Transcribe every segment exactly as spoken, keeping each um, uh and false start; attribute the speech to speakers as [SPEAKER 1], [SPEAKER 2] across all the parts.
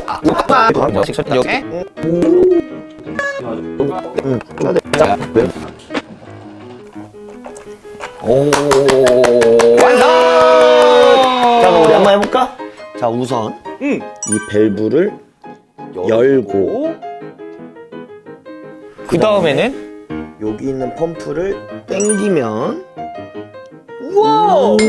[SPEAKER 1] 오, 완성! 자, 그럼 우리 한번 해볼까? 자, 우선
[SPEAKER 2] 응.
[SPEAKER 1] 이 밸브를 열고
[SPEAKER 2] 그 다음에는
[SPEAKER 1] 여기 있는 펌프를 당기면
[SPEAKER 2] 우와!
[SPEAKER 1] 오,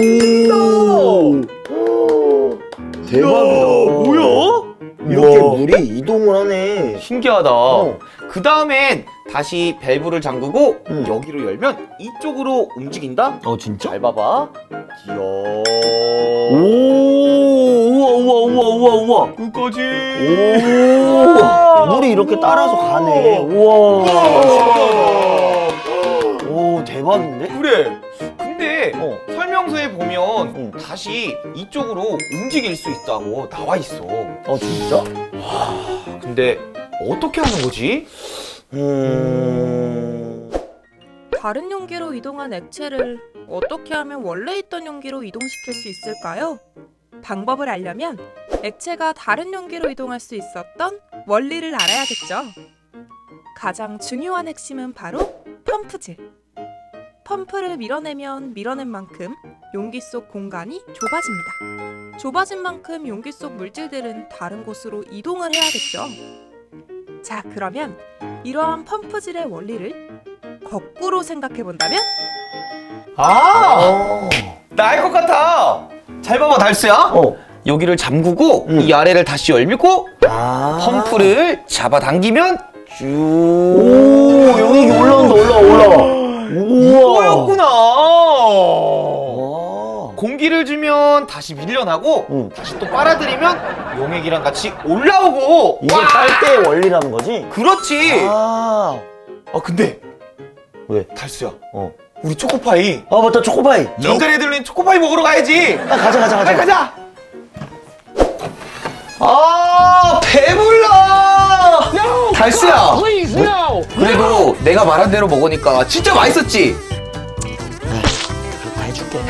[SPEAKER 1] 대박이다.
[SPEAKER 2] 뭐야?
[SPEAKER 1] 이렇게
[SPEAKER 2] 우와.
[SPEAKER 1] 물이 이동을 하네.
[SPEAKER 2] 신기하다.
[SPEAKER 1] 어.
[SPEAKER 2] 그 다음엔 다시 밸브를 잠그고
[SPEAKER 1] 응.
[SPEAKER 2] 여기로 열면 이쪽으로 움직인다?
[SPEAKER 1] 어, 진짜?
[SPEAKER 2] 잘 봐봐. 귀여워.
[SPEAKER 1] 오, 우와, 우와, 우와, 우와, 우와.
[SPEAKER 2] 끝까지.
[SPEAKER 1] 오, 물이 이렇게 따라서 가네. 우와. 오, 대박인데?
[SPEAKER 2] 그래. 근데
[SPEAKER 1] 어.
[SPEAKER 2] 설명서에 보면
[SPEAKER 1] 응.
[SPEAKER 2] 다시 이쪽으로 움직일 수 있다고 나와 있어.
[SPEAKER 1] 어, 진짜?
[SPEAKER 2] 근데 어떻게 하는 거지?
[SPEAKER 1] 음.
[SPEAKER 3] 다른 용기로 이동한 액체를 어떻게 하면 원래 있던 용기로 이동시킬 수 있을까요? 방법을 알려면 액체가 다른 용기로 이동할 수 있었던 원리를 알아야겠죠. 가장 중요한 핵심은 바로 펌프질. 펌프를 밀어내면 밀어낸 만큼 용기 속 공간이 좁아집니다. 좁아진 만큼 용기 속 물질들은 다른 곳으로 이동을 해야겠죠. 자, 그러면 이러한 펌프질의 원리를 거꾸로 생각해 본다면?
[SPEAKER 2] 아!
[SPEAKER 1] 어.
[SPEAKER 2] 나 알 것 같아. 잘 봐봐, 달스야.
[SPEAKER 1] 어.
[SPEAKER 2] 여기를 잠그고
[SPEAKER 1] 응.
[SPEAKER 2] 이 아래를 다시 열고
[SPEAKER 1] 아.
[SPEAKER 2] 펌프를 잡아당기면 쭉.
[SPEAKER 1] 오, 여기 이게 올라온다, 올라와, 올라와. 우와.
[SPEAKER 2] 이거였구나.
[SPEAKER 1] 와.
[SPEAKER 2] 공기를 주면 다시 밀려나고
[SPEAKER 1] 응.
[SPEAKER 2] 다시 또 빨아들이면 용액이랑 같이 올라오고.
[SPEAKER 1] 이게
[SPEAKER 2] 와!
[SPEAKER 1] 빨대의 원리라는 거지?
[SPEAKER 2] 그렇지.
[SPEAKER 1] 아.
[SPEAKER 2] 아 근데
[SPEAKER 1] 왜?
[SPEAKER 2] 달수야,
[SPEAKER 1] 어.
[SPEAKER 2] 우리 초코파이
[SPEAKER 1] 아, 맞다, 초코파이.
[SPEAKER 2] 인터넷에 들린 초코파이 먹으러 가야지.
[SPEAKER 1] 아, 가자, 가자, 가자.
[SPEAKER 2] 빨리 가자. 아 배불러. 달수야,
[SPEAKER 4] Please, no!
[SPEAKER 2] 그래도 내가 말한 대로 먹으니까 진짜 맛있었지?
[SPEAKER 1] 다 해줄게.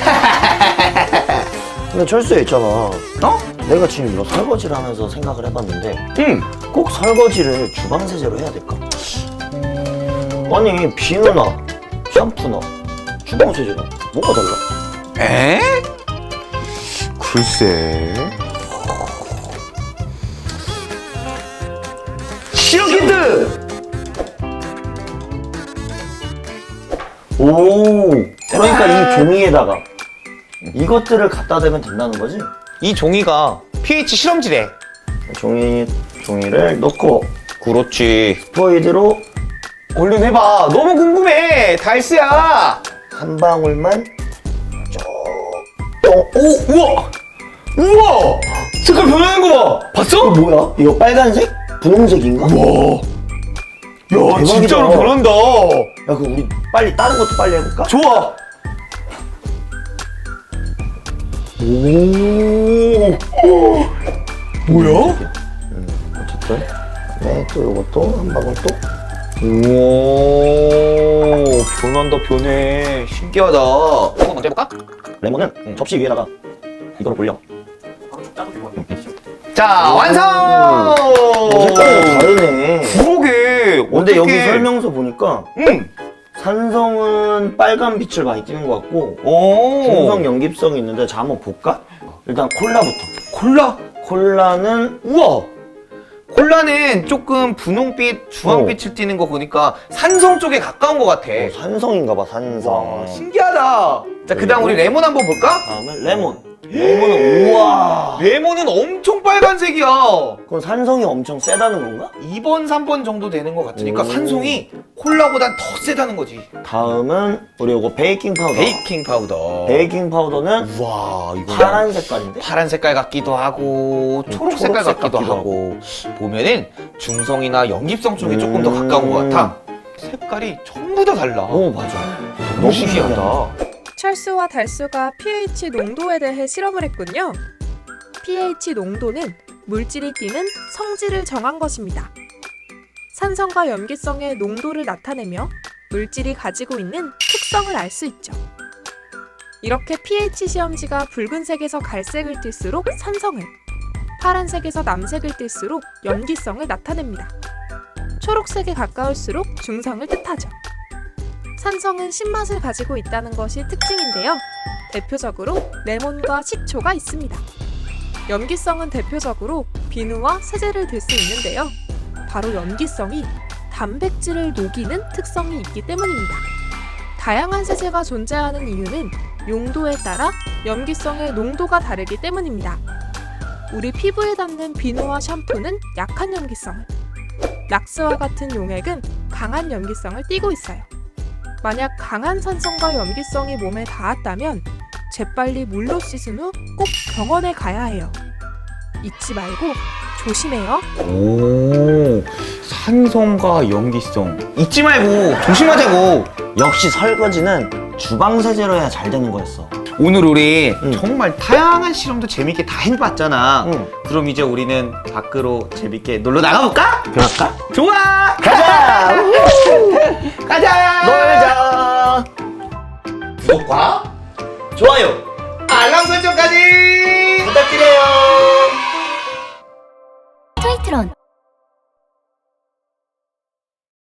[SPEAKER 1] 근데 철수야 있잖아.
[SPEAKER 2] 어?
[SPEAKER 1] 내가 지금 이거 설거지를 하면서 생각을 해봤는데
[SPEAKER 2] 응.
[SPEAKER 1] 꼭 설거지를 주방 세제로 해야 될까? 아니 비누나 샴푸나 주방 세제나 뭐가 달라?
[SPEAKER 2] 에? 글쎄. 시어키드.
[SPEAKER 1] 오, 그러니까 이 종이에다가 이것들을 갖다 대면 된다는 거지?
[SPEAKER 2] 이 종이가 pH 실험지래.
[SPEAKER 1] 종이 종이를 넣고
[SPEAKER 2] 그렇지.
[SPEAKER 1] 스포이드로
[SPEAKER 2] 얼른 해봐. 너무 궁금해. 달스야.
[SPEAKER 1] 한 방울만
[SPEAKER 2] 어, 오, 우와. 우와. 색깔 변하는 거 봐. 봤어?
[SPEAKER 1] 이거 뭐야? 이거 빨간색? 분홍색인가?
[SPEAKER 2] 우와. 야,
[SPEAKER 1] 대박이다.
[SPEAKER 2] 진짜로 변한다.
[SPEAKER 1] 야, 그럼 우리 빨리 다른 것도 빨리 해볼까?
[SPEAKER 2] 좋아. 오. 뭐야?
[SPEAKER 1] 어쨌든 네, 또 요것도 한 방울 또
[SPEAKER 2] 오, 변한다, 변해. 신기하다. 이거 먼저 해볼까?
[SPEAKER 1] 레몬은
[SPEAKER 2] 응.
[SPEAKER 1] 접시 위에다가 이걸 올려.
[SPEAKER 2] 자, 완성!
[SPEAKER 1] 어, 색깔이 다르네.
[SPEAKER 2] 그러게.
[SPEAKER 1] 근데 여기
[SPEAKER 2] 어떡해.
[SPEAKER 1] 설명서 보니까
[SPEAKER 2] 응.
[SPEAKER 1] 산성은 빨간 빛을 많이 띠는 것 같고
[SPEAKER 2] 오.
[SPEAKER 1] 중성 염기성이 있는데 자 한번 볼까? 일단 콜라부터.
[SPEAKER 2] 콜라.
[SPEAKER 1] 콜라는
[SPEAKER 2] 우와. 콜라는 조금 분홍빛, 주황빛을 띠는 거 보니까 산성 쪽에 가까운 것 같아.
[SPEAKER 1] 어, 산성인가 봐, 산성.
[SPEAKER 2] 와, 신기하다. 자, 그 다음 우리 레몬 한번 볼까?
[SPEAKER 1] 다음은 레몬. 레몬은 우와.
[SPEAKER 2] 레몬은 엄청 빨간색이야.
[SPEAKER 1] 그럼 산성이 엄청 세다는 건가?
[SPEAKER 2] 이 번, 삼 번 정도 되는 것 같으니까
[SPEAKER 1] 오.
[SPEAKER 2] 산성이 콜라보단 더 세다는 거지.
[SPEAKER 1] 다음은 우리 요거 베이킹 파우더.
[SPEAKER 2] 베이킹 파우더.
[SPEAKER 1] 베이킹 파우더는
[SPEAKER 2] 우와, 이거
[SPEAKER 1] 파란 색깔인데?
[SPEAKER 2] 파란 색깔 같기도 하고 초록
[SPEAKER 1] 초록
[SPEAKER 2] 색깔
[SPEAKER 1] 색
[SPEAKER 2] 같기도
[SPEAKER 1] 같기도
[SPEAKER 2] 하고 보면은 중성이나 염기성 쪽에 조금 더 가까운 것 같아. 색깔이 전부 다 달라.
[SPEAKER 1] 오, 맞아.
[SPEAKER 2] 너무 신기하다.
[SPEAKER 3] 철수와 달수가 pH 농도에 대해 실험을 했군요. pH 농도는 물질이 띠는 성질을 정한 것입니다. 산성과 염기성의 농도를 나타내며 물질이 가지고 있는 특성을 알 수 있죠. 이렇게 pH 시험지가 붉은색에서 갈색을 띨수록 산성을, 파란색에서 남색을 띨수록 염기성을 나타냅니다. 초록색에 가까울수록 중성을 뜻하죠. 산성은 신맛을 가지고 있다는 것이 특징인데요. 대표적으로 레몬과 식초가 있습니다. 염기성은 대표적으로 비누와 세제를 들 수 있는데요. 바로 염기성이 단백질을 녹이는 특성이 있기 때문입니다. 다양한 세제가 존재하는 이유는 용도에 따라 염기성의 농도가 다르기 때문입니다. 우리 피부에 닿는 비누와 샴푸는 약한 염기성을, 락스와 같은 용액은 강한 염기성을 띠고 있어요. 만약 강한 산성과 염기성이 몸에 닿았다면 재빨리 물로 씻은 후 꼭 병원에 가야 해요. 잊지 말고 조심해요.
[SPEAKER 2] 오, 산성과 염기성 잊지 말고 조심하자고.
[SPEAKER 1] 역시 설거지는 주방 세제로 해야 잘 되는 거였어.
[SPEAKER 2] 오늘 우리
[SPEAKER 1] 응.
[SPEAKER 2] 정말 다양한 실험도 재밌게 다 해봤잖아.
[SPEAKER 1] 응.
[SPEAKER 2] 그럼 이제 우리는 밖으로 재밌게 놀러 나가볼까?
[SPEAKER 1] 그럴까?
[SPEAKER 2] 좋아!
[SPEAKER 1] 가자!
[SPEAKER 2] 가자!
[SPEAKER 1] 놀자!
[SPEAKER 2] 구독과 좋아요, 알람 설정까지 부탁드려요.
[SPEAKER 4] 트위트론